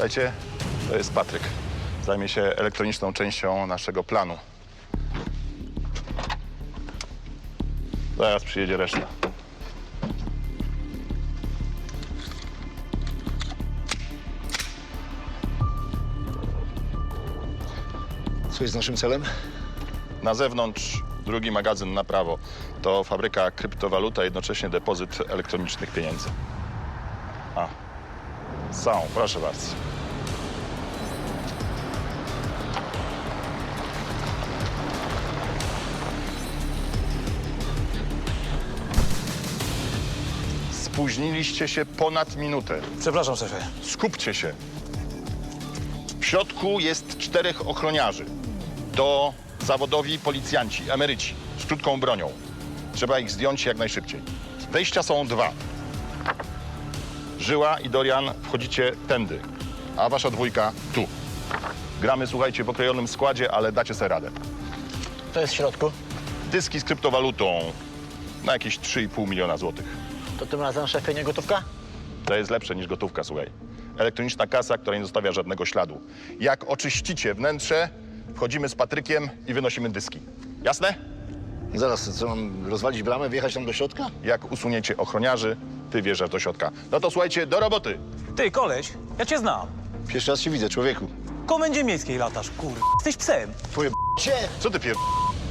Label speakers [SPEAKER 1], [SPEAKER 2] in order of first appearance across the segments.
[SPEAKER 1] Słuchajcie, to jest Patryk. Zajmie się elektroniczną częścią naszego planu. Zaraz przyjedzie reszta.
[SPEAKER 2] Co jest naszym celem?
[SPEAKER 1] Na zewnątrz drugi magazyn na prawo. To fabryka kryptowaluta, jednocześnie depozyt elektronicznych pieniędzy. A, są, proszę bardzo. Spóźniliście się ponad minutę.
[SPEAKER 3] Przepraszam, szefie.
[SPEAKER 1] Skupcie się. W środku jest 4 ochroniarzy. To zawodowi policjanci, emeryci, z krótką bronią. Trzeba ich zdjąć jak najszybciej. Wejścia są 2. Żyła i Dorian wchodzicie tędy, a wasza dwójka tu. Gramy, słuchajcie, w okrojonym składzie, ale dacie sobie radę.
[SPEAKER 3] To jest w środku.
[SPEAKER 1] Dyski z kryptowalutą na jakieś 3,5 miliona złotych.
[SPEAKER 3] To tym razem, szefie, nie gotówka?
[SPEAKER 1] To jest lepsze niż gotówka, słuchaj. Elektroniczna kasa, która nie zostawia żadnego śladu. Jak oczyścicie wnętrze, wchodzimy z Patrykiem i wynosimy dyski. Jasne?
[SPEAKER 2] Zaraz, co mam rozwalić bramę, wjechać tam do środka?
[SPEAKER 1] Jak usuniecie ochroniarzy, ty wjeżdżasz do środka. No to słuchajcie, do roboty.
[SPEAKER 4] Ty, koleś, ja cię znam.
[SPEAKER 2] Pierwszy raz się widzę, człowieku.
[SPEAKER 4] W komendzie miejskiej latasz, kur... Jesteś psem.
[SPEAKER 2] Twoje cię!
[SPEAKER 1] Co ty pier...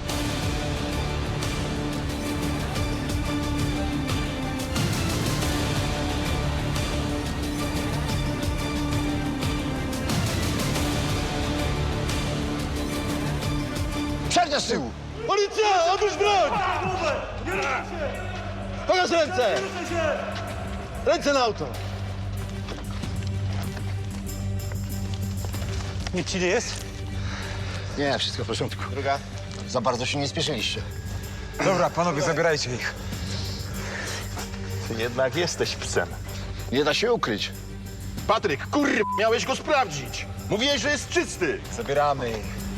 [SPEAKER 2] Przerwia z tyłu! Policja! Odłóż broń! Pokaż ręce! Ręce na auto!
[SPEAKER 4] Nic ci nie jest?
[SPEAKER 2] Nie, wszystko w porządku. Druga? Za bardzo się nie spieszyliście.
[SPEAKER 5] Dobra, panowie, zabierajcie ich.
[SPEAKER 1] Ty jednak jesteś psem.
[SPEAKER 2] Nie da się ukryć.
[SPEAKER 1] Patryk, miałeś go sprawdzić. Mówiłeś, że jest czysty.
[SPEAKER 5] Zabieramy ich.